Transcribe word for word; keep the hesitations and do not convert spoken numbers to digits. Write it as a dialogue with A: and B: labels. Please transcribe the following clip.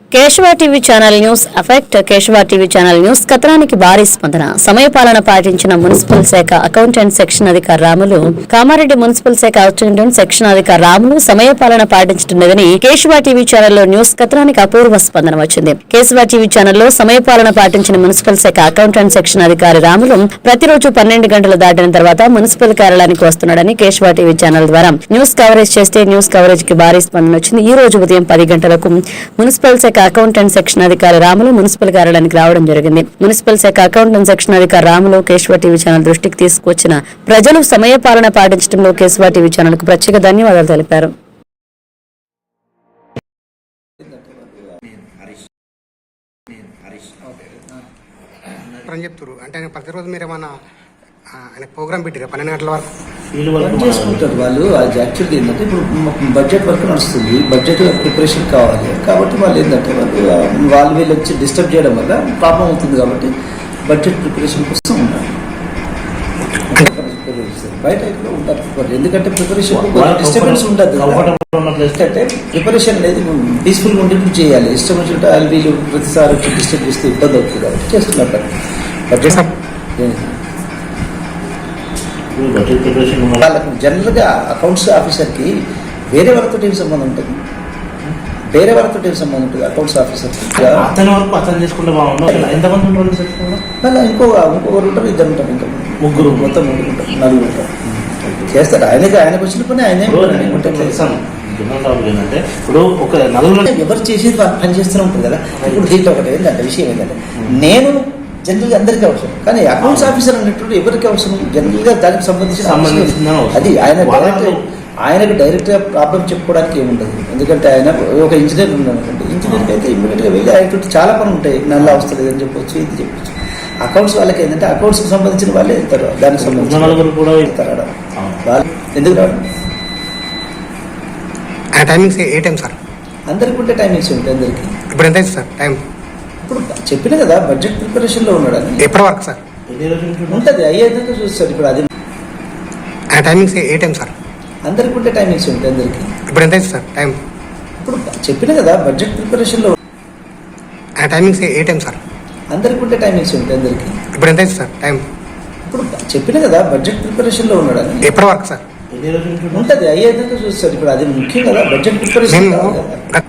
A: Keshava TV channel news effect Keshava TV channel news కథనానికి భారీ స్పందన. సమయపాలన పాటించిన మున్సిపల్ శాఖ అకౌంటెంట్ సెక్షన్ అధికారి రాములు. కామారెడ్డి మున్సిపల్ శాఖ అకౌంటెంట్ సెక్షన్ అధికారి రాములు సమయపాలన పాటించడం లేదని కేశవ టీవీ ఛానల్లో న్యూస్ కథనానికి అపూర్వ స్పందన వచ్చింది. కేశవ టీవీ ఛానల్లో సమయపాలన పాటించిన మున్సిపల్ శాఖ అకౌంటెంట్ సెక్షన్ అధికారి రాములు ప్రతిరోజు పన్నెండు గంటలు దాటిన తర్వాత మున్సిపల్ కార్యాలయానికి వస్తున్నాడని కేశవ టీవీ ఛానల్ ద్వారా న్యూస్ కవరేజ్ చేస్తే న్యూస్ కవరేజ్ కి భారీ స్పందన వచ్చింది. ఈ రోజు ఉదయం పది గంటలకు మున్సిపల్ శాఖ అకౌంటెంట్ సెక్షన్ అధికారి రాములు మున్సిపల్ కార్యాలయానికి రావడం జరిగింది. మున్సిపల్ శాఖ అకౌంటెంట్ సెక్షన్ అధికారి రాములు కేశవ టీవీ ఛానల్ దృష్టికి తీసుకొచ్చిన ప్రజలు సమయపాలన పాటించడంలో కేశవ టీవీ ఛానల్ కు ప్రత్యేక ధన్యవాదాలు తెలిపారు.
B: అంటే ప్రతిరోజు మీరు ఏమన్నా ప్రోగ్రామ్ పెట్టారా పన్నెండు గంటల వరకు
C: వీళ్ళు చేసుకుంటారు వాళ్ళు. అది యాక్చువల్గా ఏంటంటే ఇప్పుడు బడ్జెట్ వర్క్ నడుస్తుంది, బడ్జెట్ ప్రిపరేషన్ కావాలి కాబట్టి వాళ్ళు ఏంటంటే వాళ్ళు వాళ్ళు వీళ్ళు వచ్చి డిస్టర్బ్ చేయడం వల్ల ప్రాబ్లం అవుతుంది. కాబట్టి బడ్జెట్ ప్రిపరేషన్ కోసం ఉంటారు, బయట ఎక్కడ ఉంటారు. ఎందుకంటే ప్రిపరేషన్ డిస్టర్బెన్స్ ఉండదు. అంటే ప్రిపరేషన్ అనేది పీస్ఫుల్గా ఉండేట్టు చేయాలి. డిస్టర్బెన్స్ ఉంటే వాళ్ళు వీళ్ళు ప్రతిసారి వచ్చి డిస్టర్బ్ చేస్తే ఇబ్బంది అవుతుంది కాబట్టి చేస్తున్నారు. బడ్జెట్ వాళ్ళకు జనరల్గా అకౌంట్స్ ఆఫీసర్కి వేరే వాళ్ళతో ఏం సంబంధం ఉంటుంది, వేరే వాళ్ళతో ఏం సంబంధం ఉంటుంది. అకౌంట్స్ ఆఫీసర్
D: అతని వరకు అతను చేసుకుంటే బాగుంటుంది. ఎంతమంది ఉంటారు?
C: మళ్ళీ ఇంకో ఇంకొకరు ఉంటారు, ఇద్దరు ఉంటారు, ఇంకా ముగ్గురు, మొత్తం ముగ్గురు ఉంటారు, నలుగురు ఉంటారు. చేస్తారు. ఆయనకి ఆయనకు వచ్చిన పని ఆయనే
D: ఏంటంటే ఇప్పుడు ఒక నలుగురు
C: ఎవరు చేసేది పని చేస్తూనే ఉంటుంది కదా. ఇప్పుడు దీంట్లో ఒకటి ఏంటంటే విషయం ఏంటంటే నేను జనరల్గా అందరికీ అవసరం, కానీ అకౌంట్స్ ఆఫీసర్ అనేటువంటి ఎవరికి అవసరం? జనరల్గా దానికి సంబంధించిన అది ఆయన డైరెక్ట్ ఆయనకు డైరెక్ట్గా ప్రాబ్లం చెప్పుకోవడానికి ఏముండదు. ఎందుకంటే ఆయన ఒక ఇంజనీర్ ఉన్నాడు అనుకోండి, ఇంజనీర్కి అయితే ఇమ్మీడియట్గా వెళ్ళి ఆయనతో చాలా పని ఉంటాయి. నల్ల అవసరం లేదని చెప్పొచ్చు, ఇది చెప్పొచ్చు. అకౌంట్స్ వాళ్ళకి ఏంటంటే అకౌంట్స్కి సంబంధించిన వాళ్ళే వెళ్తారు, దానికి సంబంధించిన కూడా వెళ్తారు. వాళ్ళు ఎందుకు రావడం?
B: టైమింగ్స్ ఏ టైం సార్?
C: అందరికి ఉంటే టైమింగ్స్ ఉంటాయి అందరికి.
B: ఇప్పుడు ఎంత సార్ టైం?
C: ఇప్పుడు చెప్పిన కదా బడ్జెట్ ప్రిపరేషన్ లో ఉన్నాడు అని.
B: ఎప్పటి వరకు సార్
C: ఉంటుంది? అయ్యేదాకా చూస్తారు. ఇప్పుడు అది
B: టైమింగ్స్ ఏ టైం సార్?
C: అందరికి ఉంటే టైమింగ్స్ ఉంటాయి అందరికి.
B: ఇప్పుడు ఎంత సార్ టైం?
C: ఇప్పుడు చెప్పిన కదా బడ్జెట్ ప్రిపరేషన్ లో
B: టైమింగ్స్ ఏ టైం సార్?
C: అందరికి ఉంటే టైమింగ్స్ ఉంటాయి అందరికి.
B: ఇప్పుడు ఎంత సార్ టైం?
C: ఇప్పుడు చెప్పిన కదా బడ్జెట్ ప్రిపరేషన్ లో ఉన్నాడు అని.
B: ఎప్పటి వరకు సార్?
C: ఉంటుంది? అయ్యేదాకా చూస్తారు. ఇప్పుడు అది ముఖ్యం కదా బడ్జెట్ ప్రిపరేషన్.